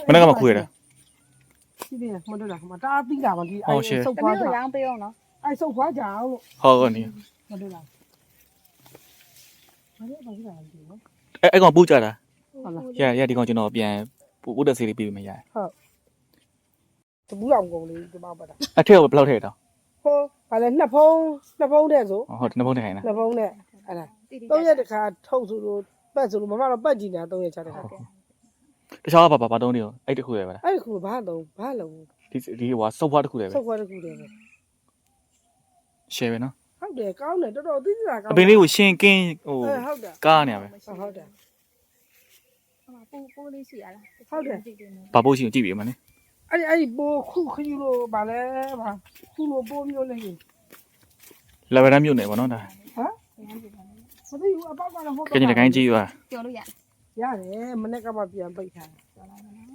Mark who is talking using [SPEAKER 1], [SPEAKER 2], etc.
[SPEAKER 1] မနေ့ကမှခွေတာ
[SPEAKER 2] ရှိသေးတယ်မတွေ့လားမတားပြီးတာပါဒီဆုပ်
[SPEAKER 3] တ
[SPEAKER 2] ဖွား
[SPEAKER 3] မျိုး
[SPEAKER 2] ကြ
[SPEAKER 3] ရောင်းပေးအောင်နော်
[SPEAKER 2] ဆုပ်ဖွားကြအောင်လို့
[SPEAKER 1] ဟုတ်ကောနီ
[SPEAKER 2] မတွေ့လားဘာလို့ဘာလို့လဲဒီနော်
[SPEAKER 1] အဲ့ကောင်ပူကြတာ
[SPEAKER 2] ဟုတ်လား
[SPEAKER 1] ရဒီကောင်ကျွန်တော်ပြန်ပို့တက်စီလေးပြီးမရ
[SPEAKER 2] တပူးအောင်ကုန်လေးဒီမှာပတ်တာ
[SPEAKER 1] အထက်ကဘယ်လောက်ထည့်တော့
[SPEAKER 2] ဟိုဘာလဲနှစ်ဖုံးတဲ့ဆို
[SPEAKER 1] ဟုတ်နှစ်ဖုံးထည့်ခိုင်းတာ
[SPEAKER 2] နှစ်ဖုံးနဲ့အဲ့ဒါ3ရက်တခါထုတ်ဆိုလို့ပတ်ဆိုလို့မမတော့ပတ်ကြည့်နေတာ3ရက်6တခါ
[SPEAKER 1] တခြားဘာတုံးနေရောအဲ့တခုရပဲလား
[SPEAKER 2] အဲ့ဒီခုဘာလုံး
[SPEAKER 1] ဒီဟိုဆုပ်ဖွားတခုရပဲ
[SPEAKER 2] ဆုပ်ဖွားတစ်ခုတည်းပဲ
[SPEAKER 1] ရှယ်ပဲနော်
[SPEAKER 2] ဟုတ်တယ်ကောင်းတယ်တော်တော်သိသိတာကောင်း
[SPEAKER 1] အပင်လေးကိုရှင်းကင်းဟို
[SPEAKER 2] ဟုတ်တယ်
[SPEAKER 1] ကားနေရပဲ
[SPEAKER 2] ဟုတ်တယ်
[SPEAKER 3] ပိုးလေးရှိရလား
[SPEAKER 1] ဘာပို့ရှိကိုကြည့်ပြီးမလဲ
[SPEAKER 2] အဲ့ဒီပိုးခုခယူလို့ဗာလဲဗာခုလိုပိုးမျိုးလေးကြီး
[SPEAKER 1] လက်ဗရန်မြို့နယ်ပေါ့နော်ဒါ
[SPEAKER 2] ဟမ်မသိဘူးအပေါက်ကတော့ဟုတ်
[SPEAKER 1] ကင်းကြီးတကိုင်းကြီးပါ
[SPEAKER 3] ပြောလို့ရ
[SPEAKER 2] ရတယ်မနေ့ကမှပြန်ပိတ်ထားတယ်
[SPEAKER 3] ပြောလိုက်မလား